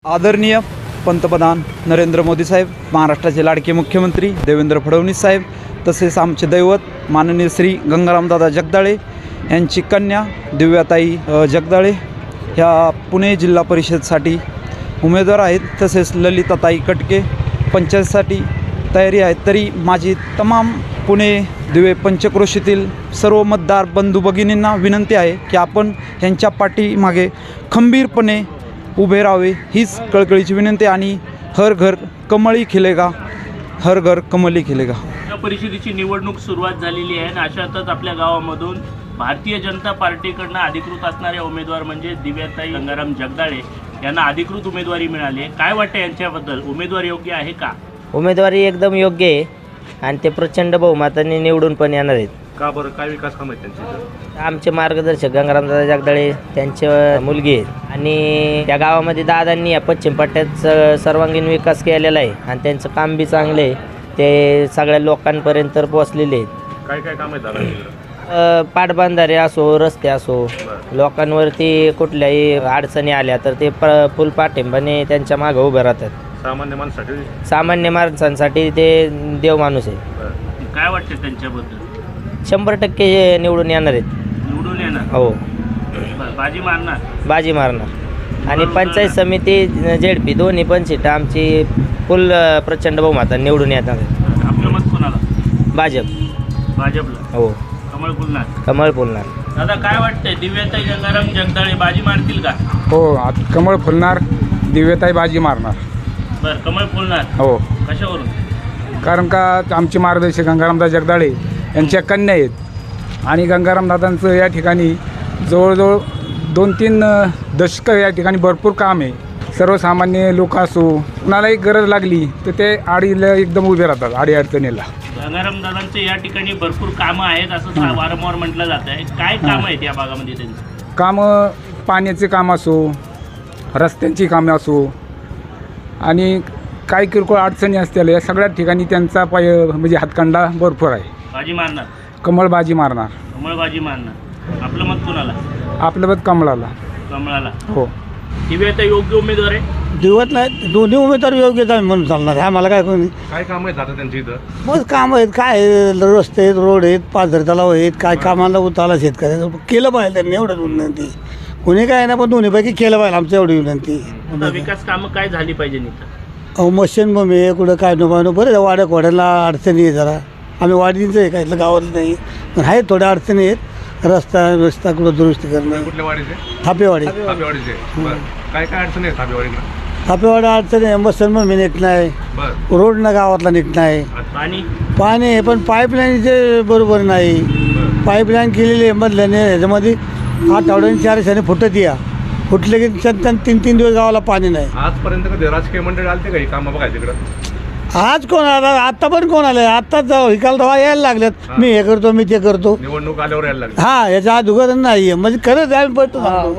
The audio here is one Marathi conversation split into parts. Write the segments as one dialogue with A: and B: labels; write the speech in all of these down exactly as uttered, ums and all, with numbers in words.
A: आदरणीय पंतप्रधान नरेंद्र मोदी साहेब, महाराष्ट्राचे लाडके मुख्यमंत्री देवेंद्र फडणवीस साहेब, तसेच आमचे दैवत माननीय श्री गंगारामदादा जगदाळे यांची कन्या दिव्याताई अ, जगदाळे ह्या पुणे जिल्हा परिषदसाठी उमेदवार आहेत. तसेच ललिताताई कटके पंचायतसाठी तयारी आहे. तरी माझी तमाम पुणे दिवे पंचक्रोशीतील सर्व मतदार बंधू भगिनींना विनंती आहे की आपण ह्यांच्या पाठीमागे खंबीरपणे उभे राहावे, हीच कळकळीची विनंती. आणि हर घर कमळी खिलेगा, हर घर कमली खिलेगा.
B: या परिषदेची निवडणूक सुरुवात झालेली आहे आणि अशातच आपल्या गावामधून भारतीय जनता पार्टीकडनं अधिकृत असणारे उमेदवार म्हणजे दिव्याताई गंगाराम जगदाळे यांना अधिकृत उमेदवारी मिळाली आहे. काय वाटतं यांच्याबद्दल? उमेदवार योग्य आहे का?
C: उमेदवारी एकदम योग्य आहे आणि ते प्रचंड बहुमताने निवडून पण येणार आहेत.
B: का बरं? काय विकास काम आहेत त्यांचे?
C: आमचे मार्गदर्शक गंगारामदादा जगदाळे त्यांचे मुलगी आहेत आणि त्या गावामध्ये दादांनी या पश्चिम पट्ट्यात स- सर्वांगीण विकास केलेला आहे आणि त्यांचं काम बी चांगलं आहे. ते सगळ्या लोकांपर्यंत पोचलेले आहेत.
B: काय काय काम आहेत दादा?
C: अ, पाटबंधारे असो, रस्ते असो, लोकांवरती कुठल्याही अडचणी आल्या तर ते प फुल पाठिंबाने त्यांच्या मागं उभे राहतात.
B: सामान्य माणसासाठी
C: सामान्य माणसांसाठी ते देव माणूस आहे.
B: काय वाटतं त्यांच्याबद्दल?
C: शंभर टक्के निवडून येणार आहेत.
B: निवडून येणार?
C: हो,
B: बरं, बाजी मारणार?
C: बाजी मारणार. आणि पंचायत समिती जेडपी दोन्ही पण सीटं आमची फुल प्रचंड बहुमताने निवडून येणार आहेत.
B: आपलं मत कोणाला?
C: भाजप.
B: भाजपला?
C: हो,
B: कमळ फुलणार?
C: कमळ फुलणार.
B: दादा काय वाटतंय, दिव्याताई गंगाराम जगदाळे बाजी मारतील का?
D: हो, आता कमळ फुलणार, दिव्यताई बाजी मारणार.
B: बरं, कमळ फुलणार?
D: हो,
B: कशावरून?
D: कारण का आमचे मार्गदर्शक गंगारामदादा जगदाळे यांच्या कन्या आहेत आणि गंगारामदादांचं या ठिकाणी जवळजवळ दोन तीन अ, दशकं या ठिकाणी भरपूर काम आहे. सर्वसामान्य लोक असो, कुणालाही गरज लागली तर ते आडीला एकदम उभे राहतात, आडी अडचणीला.
B: गंगाराम दादांचे या ठिकाणी भरपूर कामं आहेत असं सा- वारंवार म्हटलं जात आहे. काय काम आहेत या भागामध्ये त्यांची?
D: कामं, पाण्याचे काम असो, रस्त्यांची कामं असो आणि काही किरकोळ अडचणी असतील, या सगळ्या ठिकाणी त्यांचा पाय म्हणजे हातखंडा भरपूर आहे.
B: बाजी मारणार?
D: कमळ बाजी मारणार.
B: कमळ बाजी मारणार. आपलं मत कोणाला?
D: आपलं मत कमळाला.
B: कमळाला.
D: हो,
B: दिव्याताई योग्य उमेदवार आहे?
E: दिवत नाही, दोन्ही उमेदवार योग्यच आहे म्हणून चालणार आहे. आम्हाला काय कोणी
B: काय काम आहेत आता त्यांच्या इथं?
E: मग काम आहेत, काय आहे, रस्ते आहेत, रोड आहेत, पाझर तलाव आहेत, काय कामाला उतारला शेतकऱ्याचं केलं पाहिजे त्यांनी, एवढंच विनंती. कोणी काय ना, पण दोन्हीपैकी केलं पाहिजे, आमचं एवढी विनंती.
B: आता विकास कामं काय झाली पाहिजे इथं?
E: अहो मशीन मग आहे कुठं काय नो पाहिजे, बरं वाड्या कोड्याला अडचणी आहे जरा. आम्ही वाडीचं आहे, काय इथलं गावातलं नाही, पण आहेत थोड्या अडचणी आहेत. रस्ता रस्ता कुठं दुरुस्ती करणं.
F: कुठल्या वाडीचे?
E: थापेवाडी.
F: थापेवाडीचे. बरं. काय काय अडचणी आहेत थापेवाडीला?
E: थापेवाडी अडचणी आहे, मशीन मग नीट नाही,
F: बरं.
E: रोडनं गावातला नीट नाही,
B: पाणी?
E: पाणी आहे पण पाईपलाईनचे बरोबर नाही. पाईपलाईन केलेली आहे मधल्याने, ह्याच्यामध्ये आठवड्याने चार दिवसांनी फुटत या, फुटले की त्यांना तीन तीन दिवस गावाला पाणी नाही.
F: आजपर्यंत कधी राजकीय मंडळी आलते का ही कामं बघायला तिकडं?
E: आज कोण आला? आत्ता पण कोण आलं? आत्ताच जाऊ हिकाल दवा यायला लागल्यात, मी हे करतो, मी ते करतो.
F: निवडणूक आल्यावर यायला लागली.
E: हा, याच्या अगोदर नाही आहे, म्हणजे खरंच आम्ही पडतो.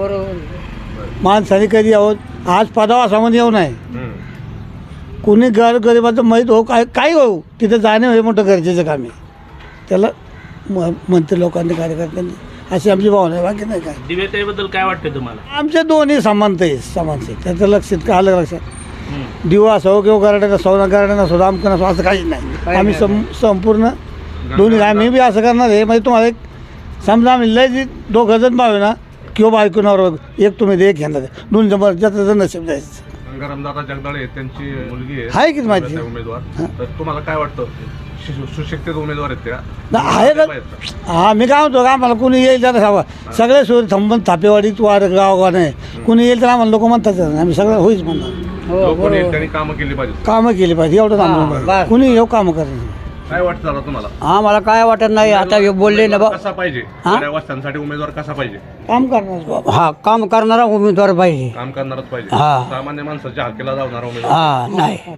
E: माणसाने कधी आहोत आज पदावा सामान येऊ नये.
F: हम्म.
E: कुणी घर गरिबाचं माहीत हो, काय काय हो, तिथं जाणे हे मोठं गरजेचं काम आहे. त्याला म मंत्री लोकांनी, कार्यकर्त्यांनी, अशी आमची भावना आहे, बाकी नाही काय.
B: दिव्याताई बद्दल काय वाटतं तुम्हाला?
E: आमच्या दोन्ही समानता आहे, समानते. त्याचं लक्षात का आलं लक्षात?
B: हम्म.
E: दिवा असो किंवा गराडा असो ना, गराडा नसो, रामकन असो, असं काहीच नाही. आम्ही सं संपूर्ण दोन्ही, आम्ही बी असं करणार आहे. म्हणजे तुम्हाला एक समजा आम्ही लय जी दोघं जण भावे ना किंवा बायकोनावर एक तुम्ही दे, एक घेणार आहे, दोन जण ज्याचं जण नशीब जायचं.
F: गंगारामदादा जगदाळे त्यांची मुलगी आहे.
E: आहे की माहिती?
F: दिव्याताई उमेदवार. तर तुम्हाला काय वाटतं? सु- सुशिक्षित उमेदवार आहेत त्या?
E: ना आहे ना. हा, मी काय म्हणतो का, आम्हाला कुणी येईल त्याला सांगा, सगळे सोय थांबून थापेवाडीत वार गाव नाही, कुणी येईल तर आम्हाला लोक म्हणतात, आम्ही सगळं होईच म्हणणार.
F: लोकांनी त्यांनी कामं केली पाहिजे.
E: कामं केली पाहिजे, एवढं थांबून कुणी येऊ कामं करणार.
F: काय वाटतं दादा तुम्हाला?
G: आम्हाला काय वाटत नाही, आता हे बोलले ना बा,
F: कसा पाहिजे? साऱ्या वस्त्यांसाठी उमेदवार कसा पाहिजे?
E: काम करणार.
G: हा काम करणारा उमेदवार पाहिजे.
F: काम करणारच पाहिजे.
G: हा.
F: सामान्य माणसाच्या हक्कीला जाणारा उमेदवार.
G: हा नाही